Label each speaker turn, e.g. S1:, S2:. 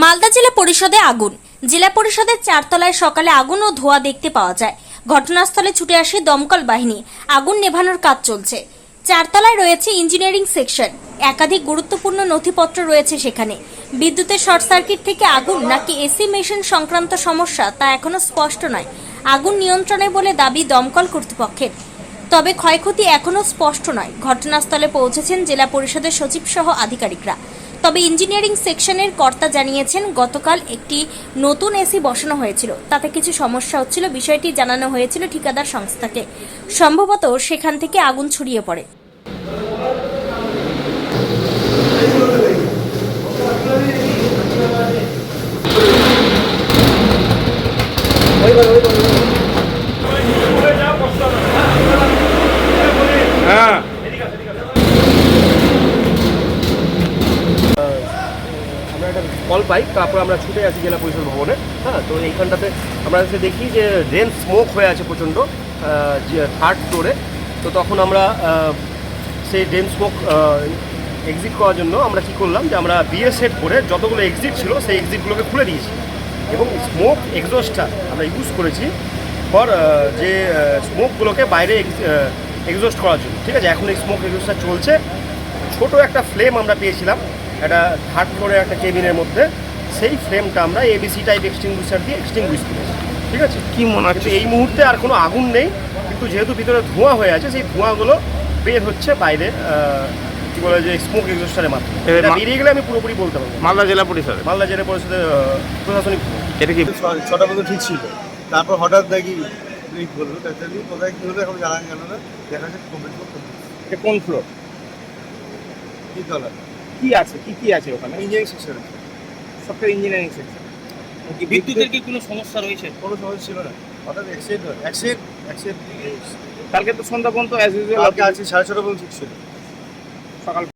S1: মালদা জেলা পরিষদে আগুন। জেলা পরিষদের চারতলায় সকালে আগুন ও ধোঁয়া দেখতে পাওয়া যায়। ঘটনাস্থলে ছুটে আসে দমকল বাহিনী। আগুন নেভানোর কাজ চলছে। চারতলায় রয়েছে ইঞ্জিনিয়ারিং সেকশন। একাধিক গুরুত্বপূর্ণ নথিপত্র রয়েছে সেখানে। বিদ্যুতের শর্ট সার্কিট থেকে আগুন নাকি এসি মেশিন সংক্রান্ত সমস্যা তা এখনো স্পষ্ট নয়। আগুন নিয়ন্ত্রণে বলে দাবি দমকল কর্তৃপক্ষের, তবে ক্ষয়ক্ষতি এখনো স্পষ্ট নয়। ঘটনাস্থলে পৌঁছেছেন জেলা পরিষদের সচিব সহ আধিকারিকরা। তবে ইঞ্জিনিয়ারিং সেকশনের কর্তা জানিয়েছেন, গতকাল একটি নতুন এসি বসানো হয়েছিল, তাতে কিছু সমস্যা হচ্ছিল। বিষয়টি জানানো হয়েছিল ঠিকাদার সংস্থাকে। সম্ভবত সেখান থেকে আগুন ছড়িয়ে পড়ে।
S2: আমরা একটা কল পাই, তারপর আমরা ছুটে আসি জেলা পরিষদ ভবনে। তো এইখানটাতে আমরা এসে দেখি যে ড্রেন স্মোক হয়ে আছে প্রচণ্ড, যে থার্ড ফ্লোরে। তো তখন আমরা সেই ড্রেন স্মোক এক্সিট করার জন্য আমরা কী করলাম যে আমরা বিএ সেট করে যতগুলো এক্সিট ছিল সেই এক্সিটগুলোকে খুলে দিয়েছি এবং স্মোক এক্সস্টটা আমরা ইউজ করেছি ফর যে স্মোকগুলোকে বাইরে এক্সস্ট করার জন্য। ঠিক আছে, এখন এই স্মোক এক্সস্টটা চলছে। ছোট একটা ফ্লেম আমরা পেয়েছিলাম একটা থার্ড ফ্লোরের একটা কেবিনের মধ্যে, সেই ফ্লেমটা আমরা এবিসি টাইপ এক্সটিংগুইশার দিয়ে এক্সটিংগুইশ করেছি। ঠিক আছে,
S3: কি মনে হচ্ছে?
S2: এই মুহূর্তে আর কোনো আগুন নেই, কিন্তু যেহেতু ভিতরে ধোঁয়া হয়ে আছে, সেই ধোঁয়াগুলো বের হচ্ছে বাইরে, কী বলে যে স্মোক এক্সস্টারের মাধ্যমে। এটা বেরিয়ে গেলে আমি পুরোপুরি বলতে পারবো।
S3: মালদা জেলা পরিষদ,
S2: মালদা জেলা পরিষদের প্রশাসনিক ভবন।
S3: এটা কি
S4: 6টা পর্যন্ত ঠিক ছিল, তারপর হঠাৎ দেখি ব্রেক বললো, তাড়াতাড়ি কোথায় কী হলো এখন জানা গেল না। দেখা যাচ্ছে কমপ্লিট
S3: এটা কোন ফ্লোর?
S4: কি তলা
S3: কি আছে, কি আছে ওখানে?
S4: Engineering section,
S3: software engineering section.
S5: বিদ্যুতের কি কোনো সমস্যা রয়েছে?
S4: কোনো সমস্যা ছিল না। হঠাৎ অ্যাক্সিডেন্ট
S3: কালকে তো সন্ধ্যা পর্যন্ত অ্যাজ ইউজুয়াল
S4: কালকে আছে 6:30 পর্যন্ত ঠিক ছিল।
S3: সকাল